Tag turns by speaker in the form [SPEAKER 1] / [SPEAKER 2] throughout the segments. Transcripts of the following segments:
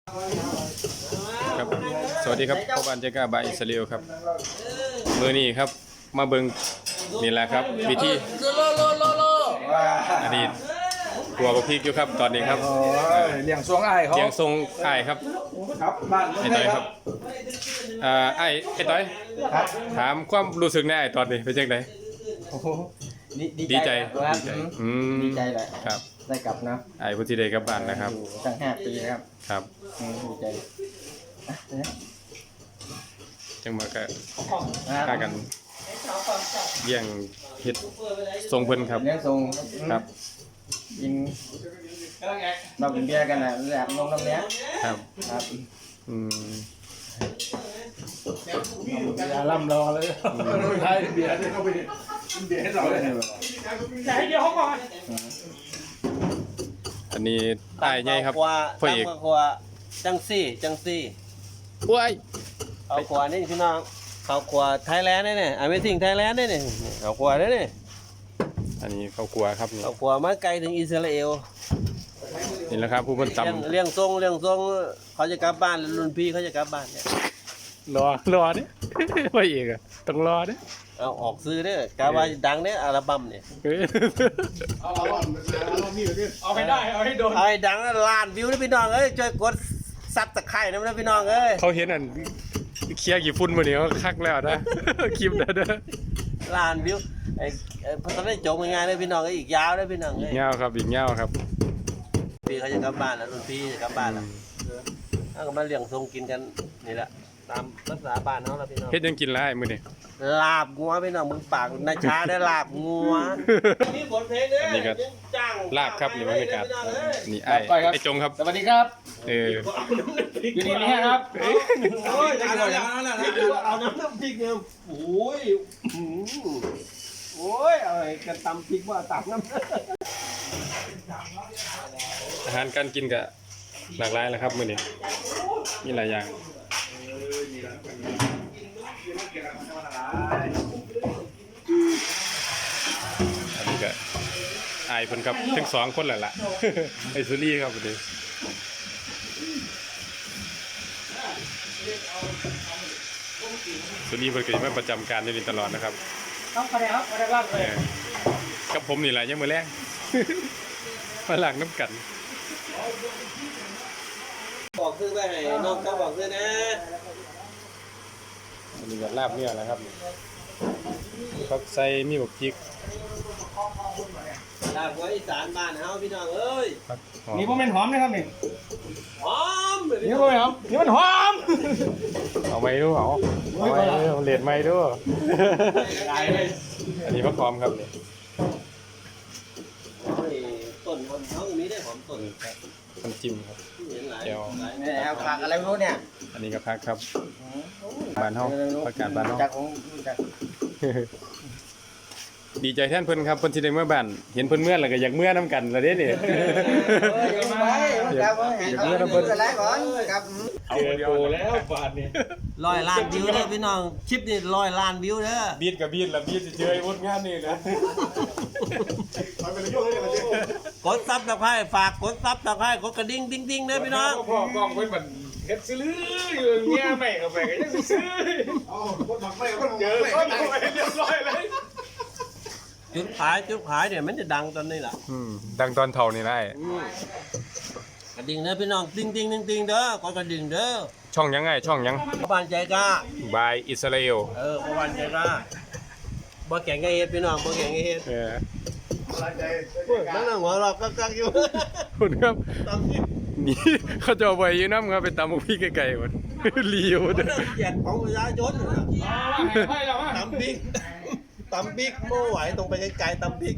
[SPEAKER 1] ครับสวัสดีครับพ่อบ้านเจ้ากาบายอิสราเอลครับมือนี้ครับมาเบิ่งนี่แหละครับวิธีอดีตกลัวบะพริกอยู่ครับตอนนี้ครับ
[SPEAKER 2] เลี้ยงทรงอ้ายเขา
[SPEAKER 1] เลี้ยงทรงอ้ายครับ
[SPEAKER 2] ครับบ้าน
[SPEAKER 1] ไอ้ต้อยครับอ้ายไอ้ต้อยถามความรู้สึกในอ้ายตอนนี้เป็นจังไดดีใจ
[SPEAKER 2] ดีใจแหละ
[SPEAKER 1] ครับ
[SPEAKER 2] ได้กลับนะ
[SPEAKER 1] อ้ายพุ่นสิได้กลับบ้านนะครับ
[SPEAKER 2] ตั้ง5 ปีครับ
[SPEAKER 1] ครับ
[SPEAKER 2] ดีใจ
[SPEAKER 1] จังมาก็ฆ่ากันเลี้ยงเฮ็ดทรงเพิ่นครับ
[SPEAKER 2] เลี้ยงทรง
[SPEAKER 1] ครับ
[SPEAKER 2] กินเรากินเบียร์กันนะแบบนมน้ำเนี้ย
[SPEAKER 1] ครับ
[SPEAKER 2] ครับ
[SPEAKER 3] อย่าล่ำรอเลยใช่เบียร์เข้าไปเบียร์ให้เราเลยใช่เดียวเขาก่อน
[SPEAKER 1] อันนี้อ้ายใหญ่ครับพ่อเอก
[SPEAKER 4] จังซี่
[SPEAKER 1] โอ้ย
[SPEAKER 4] เอาขวานี่พี่น้องเอาขวาไทยแลนด์นี่Amazing Thailand นี่เอาขวานี่
[SPEAKER 1] อันนี้เขากลัวครับนี่
[SPEAKER 4] เอาขวามาไกลถึงอิสราเอล
[SPEAKER 1] นี่แหละครับผู้คนต่ำ
[SPEAKER 4] เลี้ยงทรงเขาจะกลับบ้านรุ่นพี่เขาจะกลับบ้านเนี่ย
[SPEAKER 1] รอเนี่ย พ่อเอกอะต้องรอเนี่ย
[SPEAKER 4] เอาออกซื้อเนี่ยกาว่าดังเนี่ยอัลบั้มเนี่ย
[SPEAKER 3] เอาให้ได้เอาให้โดน
[SPEAKER 4] ไอ้ดังล้านวิวนะพี่น้องเอ้ยช่วยกดซับตะไคร่นะพี่น้องเอ้ย
[SPEAKER 1] เขาเห็นอันเคลียร์กี่ฝุ่นมาเนี่ยเขาคักแล้วนะ คลิปนะเด้อ
[SPEAKER 4] ล้านวิวไอ้พอตอนนี้จบงานเลยพี่น้องอีกยาวเลยพี่น้อง
[SPEAKER 1] อี
[SPEAKER 4] เอ้
[SPEAKER 1] ก
[SPEAKER 4] ย
[SPEAKER 1] เงาครับอีกเงาครับ
[SPEAKER 4] พี่เขาจะกลับบ้านแล้วรุ่นพี่จะกลับบ้านแล้วก็มาเลี้ยงทรงกินกันนี่แหละตามภาษาบ้านเขาแล้วพี่น้อง
[SPEAKER 1] เฮ็ดยังกินไรมื้อนี้
[SPEAKER 4] ลาบงัวพี่น้องมึงปากนาชาได้ลาบงัวมีบทเพลงเนี่ย
[SPEAKER 1] นี่ก็ลาบครับนี่บรรยากาศนี่ไอ้จงครับ
[SPEAKER 2] สวัสดีครับ
[SPEAKER 3] อยู่นี่นี่ครับ
[SPEAKER 4] โอ้ยเอาน้ำพริกเนี่ยโอ้ยโอ้ยอะไรกันตำพริกว่าตำน้ำ
[SPEAKER 1] อาหารการกินก็หลากหลายแล้วครับมื้อนี้มีหลายอย่างอันนี้ก็อายเพิ่นครับทั้งสองคนแหละล่ะ ไอ้สุรีครับวันนี้สุรีเพิ่นก็มาประจำการอยู่นี่ตลอดนะครับ
[SPEAKER 3] ต้องไปครับไปบ้านเลย
[SPEAKER 1] กับผมนี่แหละยังมื้อแรง มาล้างน้ำกัน
[SPEAKER 4] บอกซื้อไปให้น้องเขาบอกซื้อนะ
[SPEAKER 1] อันนี้ก็ลาบเนื้อนะครับผักใส่มีบักพริก
[SPEAKER 4] ลาบงัวอีสานบ้านเฮาพี่น้องเอ้ย
[SPEAKER 1] ผักหอม
[SPEAKER 3] นี่ผมเป็นหอมนะครับนี่
[SPEAKER 4] หอม
[SPEAKER 3] นี่ผมเป็นหอมนี่มันหอม
[SPEAKER 1] เอาไม้ดูเอาไม้ดูเลดไม้ดู
[SPEAKER 3] ได้เลย
[SPEAKER 1] อันนี้ผักหอมครับนี่
[SPEAKER 4] ต้นหอมเขาตรงนี้ได้หอมต้น
[SPEAKER 1] น้ำจิ้มครับ
[SPEAKER 4] เห็นหลาย
[SPEAKER 2] เนี่ยเอาผักอะไรไม่รู้เนี่ย
[SPEAKER 1] อันนี้ก็ผักครับบ้านเฮาผักกาดบ้านเฮา
[SPEAKER 2] จากของจาก
[SPEAKER 1] ดีใจแทนเพิ่นครับเพิ่นสิได้เมื่อบ้านเห็นเพิ่นเมื่อแล้วก็อยากเมื่อนํกันแล้วเด้นี่
[SPEAKER 2] ครับอะไรก่อนครับ
[SPEAKER 3] เอาเดียวแล้วบาทนี่
[SPEAKER 4] 100 ล้านวิวเด้อพี่น้องคลิปนี้100 ล้านวิวเด้อ
[SPEAKER 1] บีดกับบีดละบีดสิเจอไอ้วดงานนี่นะ
[SPEAKER 4] กดซับตะไคร้ฝากกดซับตะไคร้กดกระดิ่งดิ้งๆเด้อพี่น้อง
[SPEAKER 3] พ่อกล้องเพิ่นมันเฮ็ดซื้ออยู่เงี้ยไม่เข้าไปก็ยังซื้อเจอคนไปเรียบร้อยเลย
[SPEAKER 4] จุดขายเนี่ยมันจะดังตอนนี้ล่ะ
[SPEAKER 1] ดังตอนเฒ่านี่ได้
[SPEAKER 4] กระดิ่งเด้อพี่น้องติ้งเด้อกดกระดิ่งเด้อ
[SPEAKER 1] ช่องยังไงช่องยัง
[SPEAKER 4] บ้านใจกล้า
[SPEAKER 1] บายอิสราเอล
[SPEAKER 4] บ้านใจกล้าบ่แข่งไงเฮ็ดพี่น้องบ่แข่งไงเฮ็ดนั่งหัวเรากักอยู่
[SPEAKER 1] คุณครับ
[SPEAKER 4] ตำพริก
[SPEAKER 1] นี่เขาจะเอาไปยืนน้ำครับไปตำบักพริกไก่ๆหมด เลียวเด้อ
[SPEAKER 4] เกียรติของประชาชน
[SPEAKER 3] ให้เรา
[SPEAKER 4] ตำพริกไม่ไหวตรงไปไกลๆตำพริก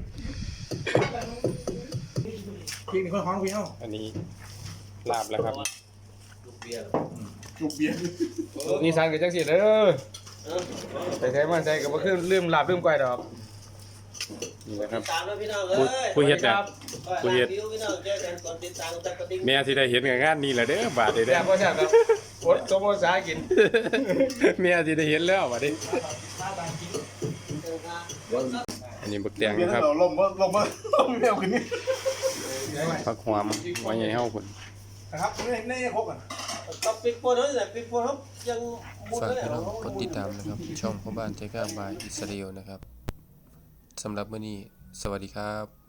[SPEAKER 3] พี่นี่คนของพี่เอ้า
[SPEAKER 1] อันนี้ลาบแล้วครับ
[SPEAKER 3] จุกเบียร์
[SPEAKER 2] นี่สั่งกับจังสิเด้อแต่ใช้มันใช้กับว่าคือลืมหลับลืมก้อยดอก
[SPEAKER 1] นี่นะครับ
[SPEAKER 4] ตามแล้วพี่น้องเอ้ย
[SPEAKER 1] ผู้เฮ็ดเนี่ยผู้เฮ็ด
[SPEAKER 4] พี่น้องเจอกันก่อนติดตามกระดิ่ง
[SPEAKER 1] แม่ที่ได้เห็นกับงานนี้แหละเด้อบาดเด้
[SPEAKER 2] แซ่
[SPEAKER 1] อบ
[SPEAKER 2] ก็แซ่บครับอดสมภาษากิน
[SPEAKER 1] แม่ที่ได้เห็นแล้วบาดนี้อันนี้บักแตงนะครับ
[SPEAKER 3] ลงมาเร็วขึ้นนี่
[SPEAKER 1] ผักหอมไว้ใหญ่เฮาพุ่น
[SPEAKER 3] นะครับในครกอ่ะ
[SPEAKER 4] กับปิดโปรนั่นแหละปิดโปรครับยังมุน
[SPEAKER 1] ฝาก
[SPEAKER 4] ไม่ได้
[SPEAKER 1] พี่
[SPEAKER 4] หร
[SPEAKER 1] น้
[SPEAKER 4] อ
[SPEAKER 1] อง
[SPEAKER 4] ก
[SPEAKER 1] กดติดตามนะครับ ช่องพ่อบ้านใจกล้าบายอิสราเอลนะครับสำหรับมื้อนี้สวัสดีครับ